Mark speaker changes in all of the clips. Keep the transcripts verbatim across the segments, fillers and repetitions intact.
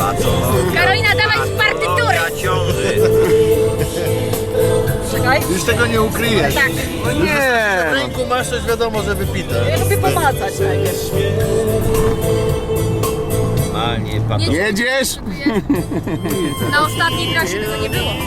Speaker 1: Karolina, dawaj z partytury!
Speaker 2: Czekaj.
Speaker 3: Już tego nie ukryjesz.
Speaker 1: Tak.
Speaker 3: No nie! W ręku masz, już wiadomo, że wypite.
Speaker 2: Ja lubię pomacać najpierw.
Speaker 3: A nie, pan. Jedziesz?
Speaker 1: Na ostatniej trasie tego nie było.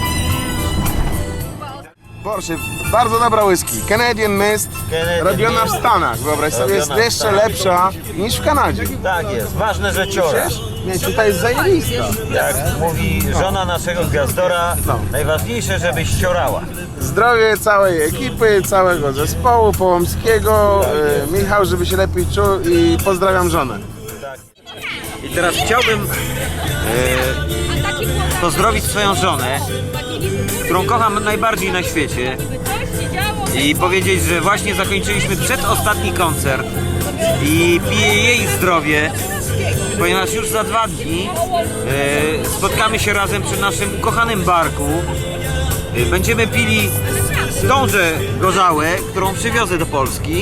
Speaker 4: Porsche, bardzo dobra whisky. Canadian Mist,
Speaker 3: Canadian
Speaker 4: robiona w
Speaker 3: Mist.
Speaker 4: Stanach, wyobraź sobie, jest
Speaker 3: Robiona w
Speaker 4: jeszcze
Speaker 3: Stanach.
Speaker 4: lepsza niż w Kanadzie.
Speaker 3: Tak jest, ważne, że ciora.
Speaker 4: Nie, tutaj jest zajebista.
Speaker 3: Jak mówi żona naszego gwiazdora,
Speaker 4: No.
Speaker 3: najważniejsze, żebyś ciorała.
Speaker 4: Zdrowie całej ekipy, całego zespołu Połomskiego, e, Michał, żeby się lepiej czuł i pozdrawiam żonę.
Speaker 3: I teraz chciałbym
Speaker 1: A taki było
Speaker 3: e, pozdrowić swoją żonę, którą kocham najbardziej na świecie
Speaker 1: coś się działo.
Speaker 3: i powiedzieć, że właśnie zakończyliśmy przedostatni koncert i piję jej zdrowie, ponieważ już za dwa dni e, spotkamy się razem przy naszym ukochanym barku. E, będziemy pili tąże gorzałę, którą przywiozę do Polski,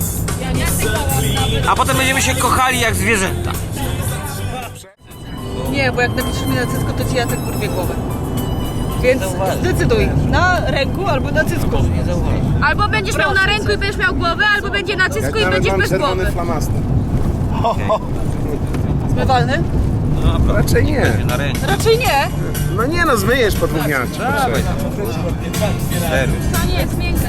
Speaker 3: a potem będziemy się kochali jak zwierzęta.
Speaker 2: Nie, bo jak napiszesz mi na cycku, to ci Jacek urwie głowę. Więc zdecyduj, na ręku albo na cycku.
Speaker 1: Albo będziesz miał na ręku i będziesz miał głowę, albo będzie na cysku i będziesz bez głowy.
Speaker 4: flamaster.
Speaker 2: Zmywalny?
Speaker 4: Raczej nie.
Speaker 3: Na rękę.
Speaker 2: Raczej nie.
Speaker 4: No nie no, zmyjesz po dwóch dniach.
Speaker 1: To nie jest miękkie.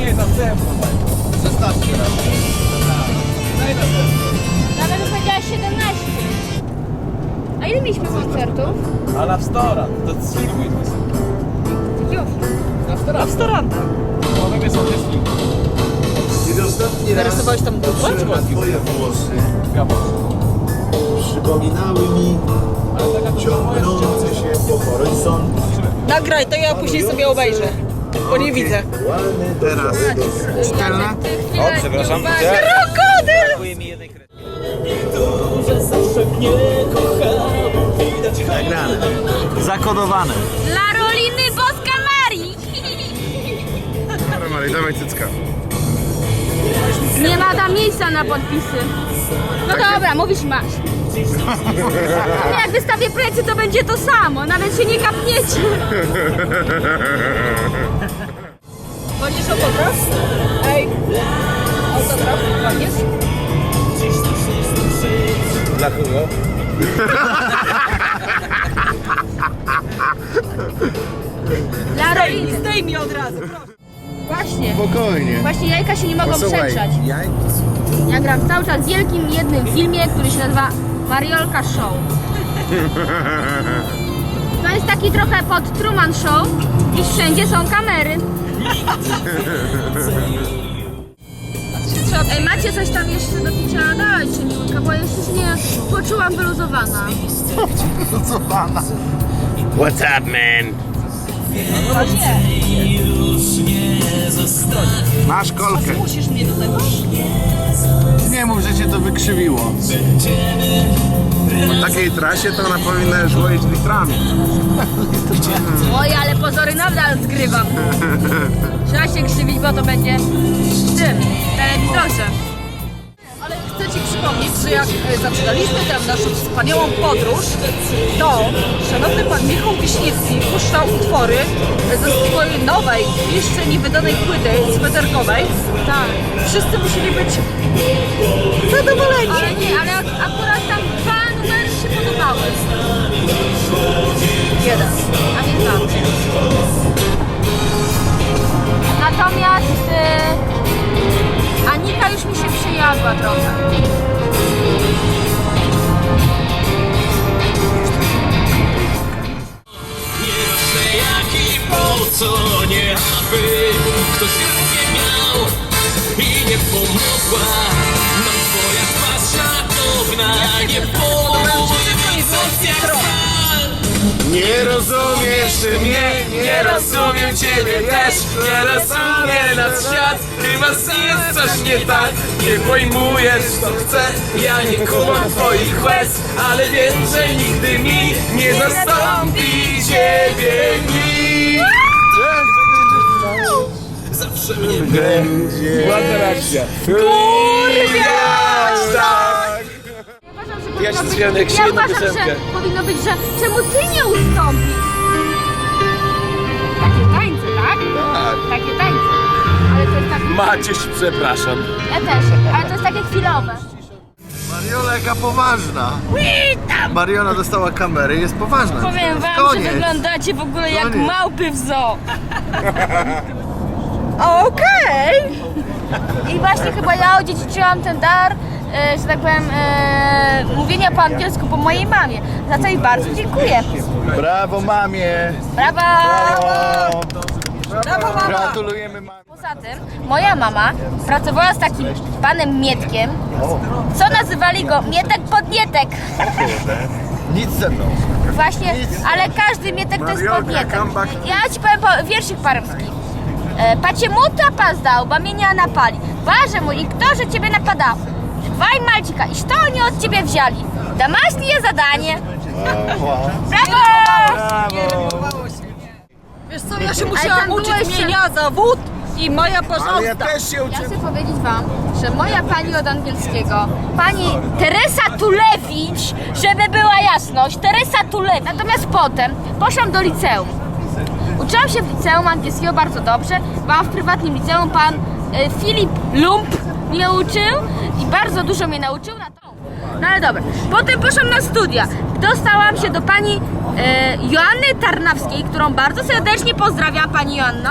Speaker 1: Nawet bym powiedziała siedemnaście. A ile mieliśmy koncertów?
Speaker 5: Ale w stora, to filmuj.
Speaker 1: Już.
Speaker 2: Restauranta.
Speaker 5: One są też filmy.
Speaker 3: Kiedy ostatni raz
Speaker 2: Narysowałeś tam dupę?
Speaker 3: twoje włosy przypominały mi ciągnące się po horyzont.
Speaker 2: Nagraj to, ja później sobie obejrzę. Bo nie widzę.
Speaker 4: Teraz szczelne.
Speaker 3: O, przepraszam.
Speaker 2: Krokodyl!
Speaker 3: Brakuje mi jednej kredki. Nagrane. Zakodowane.
Speaker 1: Dla Roliny Boska Marii.
Speaker 4: Dobra Marii, dawaj cycka.
Speaker 1: Nie ma tam miejsca na podpisy. No dobra, mówisz masz. No jak wystawię plecy, to będzie to samo. Nawet się nie kapniecie.
Speaker 2: Wolisz autograf? Ej, autograf, wolisz?
Speaker 3: Dla kogo?
Speaker 1: Dla Roliny.
Speaker 2: Zdejmij od razu, proszę.
Speaker 1: Właśnie.
Speaker 4: Spokojnie.
Speaker 1: Właśnie jajka się nie mogą
Speaker 4: Posłuchaj,
Speaker 1: przegrzać.
Speaker 4: jaj...
Speaker 1: Ja gram cały czas w wielkim jednym filmie, który się nazywa Mariolka Show. To jest taki trochę pod Truman Show i wszędzie są kamery. Ej, macie coś tam jeszcze do picia? Dajcie mi łyka, bo ja jeszcze się nie poczułam wyluzowana.
Speaker 4: Wyluzowana.
Speaker 3: What's up, man?
Speaker 4: Masz kolkę.
Speaker 2: Musisz mnie do tego?
Speaker 4: Nie mów, że cię to wykrzywiło. Po takiej trasie to ona powinna już łoić litrami.
Speaker 1: Oj, ale pozory nadal zgrywam. Trzeba się krzywić, bo to będzie w tym, w telewizorze.
Speaker 2: Ale chcę Ci przypomnieć, że jak e, zaczynaliśmy tę naszą wspaniałą podróż, to szanowny pan Michał Wiśniewski puszczał utwory ze swojej nowej, jeszcze niewydanej płyty sweterkowej.
Speaker 1: Tak.
Speaker 2: Wszyscy musieli być zadowoleni.
Speaker 1: Ale nie, ale ak- akurat tam dwa numery się podobały.
Speaker 2: Jeden.
Speaker 1: A nie dwa. Natomiast y, Anika już mi się przyjadła trochę.
Speaker 6: Nieważne jak i po co, nie aby ktoś rację miał i nie pomogła nam twoja twarz szatowna, nie pomógł jak stal.
Speaker 4: Nie rozumiesz mnie, nie rozumiem ciebie też.
Speaker 6: Nie rozumie nas świat, chyba jest coś nie tak. Nie pojmujesz co chcę, ja nie kumam twoich łez, ale wiem, że nigdy mi nie zastąpi ciebie nikt. Zawsze mnie
Speaker 4: Będzie...
Speaker 3: Ładna reakcja.
Speaker 4: Kurwa! Tak!
Speaker 1: Ja uważam, że powinno
Speaker 6: się
Speaker 1: być...
Speaker 6: zwijam jak
Speaker 1: Ja
Speaker 6: się jedną
Speaker 1: uważam, że
Speaker 6: piosenkę.
Speaker 1: powinno być, że czemu ty nie ustąpisz? Takie tańce, tak?
Speaker 4: Tak.
Speaker 1: Takie tańce. Ale to jest tak...
Speaker 6: Maciuś, przepraszam.
Speaker 1: Ja też, ale to jest takie chwilowe.
Speaker 7: Mariola jaka poważna. Mariola dostała kamery, jest poważna.
Speaker 1: Powiem wam,
Speaker 7: Koniec.
Speaker 1: że wyglądacie w ogóle jak
Speaker 7: Koniec.
Speaker 1: małpy w zoo.
Speaker 2: Okej!
Speaker 1: I właśnie chyba ja odziedziczyłam ten dar, e, że tak powiem, e, mówienia po angielsku po mojej mamie. Za co jej bardzo dziękuję.
Speaker 7: Brawo mamie.
Speaker 1: Brawa!
Speaker 7: Brawo.
Speaker 2: Brawo, mama!
Speaker 7: Gratulujemy mamie.
Speaker 1: Poza tym moja mama pracowała z takim panem Mietkiem, co nazywali go Mietek Podnietek.
Speaker 7: Nic ze mną.
Speaker 1: Właśnie, ale każdy Mietek to jest
Speaker 4: Mariolka,
Speaker 1: Podnietek.
Speaker 4: comeback.
Speaker 1: Ja ci powiem po, wierszyk paremski. E, Pacie muta pas dał, ba mnie nie napali. Ważę mu i kto, że ciebie napadał. Dwaj malcika, iż to oni od ciebie wzięli. Damaśnie zadanie. Brawo!
Speaker 2: Wiesz co, ja się
Speaker 1: Ale
Speaker 2: musiałam
Speaker 1: tam
Speaker 2: uczyć
Speaker 1: byłeś się-
Speaker 2: mienia zawód i Maja
Speaker 4: Ale ja
Speaker 2: porządna.
Speaker 4: też się
Speaker 1: Ja
Speaker 4: uczę.
Speaker 1: chcę powiedzieć wam, że moja pani od angielskiego, pani Teresa Tulewicz, żeby była jasność, Teresa Tulewicz. Natomiast potem poszłam do liceum. Uczyłam się w liceum angielskiego bardzo dobrze. Byłam w prywatnym liceum, pan e, Filip Lump mnie uczył i bardzo dużo mnie nauczył na to. No ale dobra. Potem poszłam na studia. Dostałam się do pani e, Joanny Tarnawskiej, którą bardzo serdecznie pozdrawiam, pani Joanno.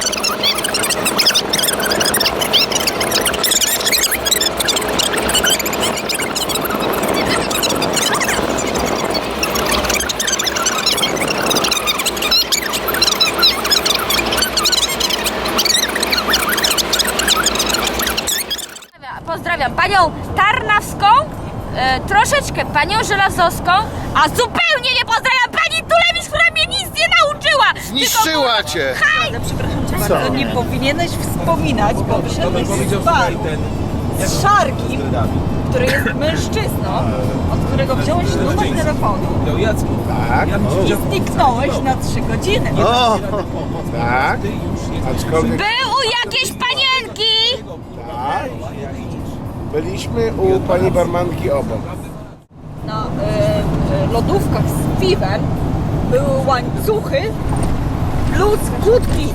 Speaker 1: Pozdrawiam panią Tarnawską, e, troszeczkę panią Żelazowską, a zupełnie nie pozdrawiam pani Tulewicz, która mnie nic nie nauczyła!
Speaker 7: Zniszczyła cię.
Speaker 2: Ale przepraszam cię bardzo, nie powinieneś wspominać, bo wyszedłeś z baru z Szarkim, który jest mężczyzną, od którego wziąłeś numer telefonu
Speaker 7: Tak.
Speaker 2: i zniknąłeś na trzy godziny.
Speaker 7: O,
Speaker 4: Tak. Aczkolwiek
Speaker 1: Był u jakiejś panienki!
Speaker 4: tak. Byliśmy u pani barmanki obok.
Speaker 2: Na e, e, lodówkach z piwem były łańcuchy plus kłódki.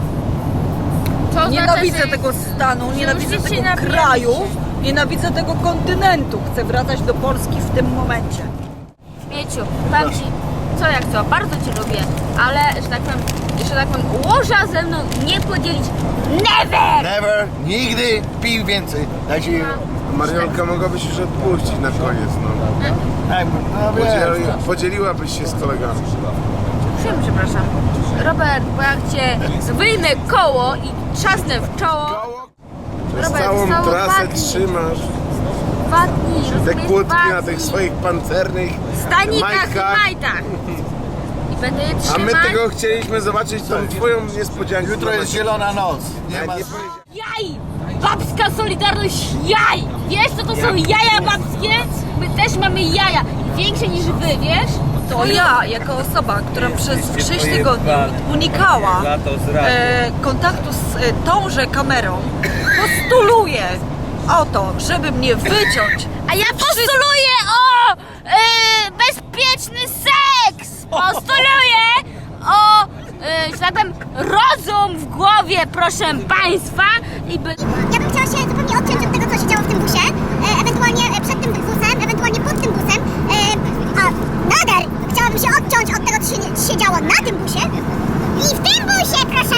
Speaker 1: To
Speaker 2: Nienawidzę
Speaker 1: znaczy, że-
Speaker 2: tego stanu, nienawidzę
Speaker 1: Musicie
Speaker 2: tego
Speaker 1: napić.
Speaker 2: kraju, nienawidzę tego kontynentu. Chcę wracać do Polski w tym momencie.
Speaker 1: Mieciu, powiem ci, co jak co, bardzo cię lubię, ale, że tak powiem, że tak powiem, łoża ze mną nie podzielić never!
Speaker 7: never, nigdy pij więcej. Dajcie jej.
Speaker 4: Mariolka, mogłabyś już odpuścić na koniec, no.
Speaker 7: Tak, no
Speaker 4: Podzieli,
Speaker 7: wiesz.
Speaker 4: podzieliłabyś się z kolegami.
Speaker 1: Przepraszam, przepraszam. Robert, bo jak cię wyjmę koło i trzasnę w czoło,
Speaker 4: Przez
Speaker 1: Robert,
Speaker 4: całą
Speaker 1: zostało dwa
Speaker 4: trasę
Speaker 1: dni.
Speaker 4: trzymasz
Speaker 1: dwa dni,
Speaker 4: te
Speaker 1: rozumiesz,
Speaker 4: kłódki
Speaker 1: dwa
Speaker 4: na tych
Speaker 1: dni.
Speaker 4: swoich pancernych
Speaker 1: stanikach
Speaker 4: majtkach.
Speaker 1: i majtach. I będę je
Speaker 4: A
Speaker 1: trzymać.
Speaker 4: my tego chcieliśmy zobaczyć, tą twoją niespodziankę.
Speaker 7: Jutro jest zielona noc. Nie
Speaker 4: Ja
Speaker 7: ma.
Speaker 4: nie powiedziałem.
Speaker 1: Jaj! Babska Solidarność jaj! Wiesz co to są jaja babskie? My też mamy jaja. Większe niż wy, wiesz?
Speaker 2: To ja, jako osoba, która przez sześć tygodni unikała e, kontaktu z e, tąże kamerą, postuluję o to, żeby mnie wyciąć.
Speaker 1: A ja postuluję o e, bezpieczny seks! Postuluję o, e, że tak powiem, rozum w głowie, proszę państwa. I by...
Speaker 8: Ja bym chciała się zupełnie odciąć od tego, co się działo w tym busie, e, ewentualnie e, przed tym busem, ewentualnie pod tym busem, e, a nader chciałabym się odciąć od tego, co się, nie- się działo na tym busie i w tym busie, proszę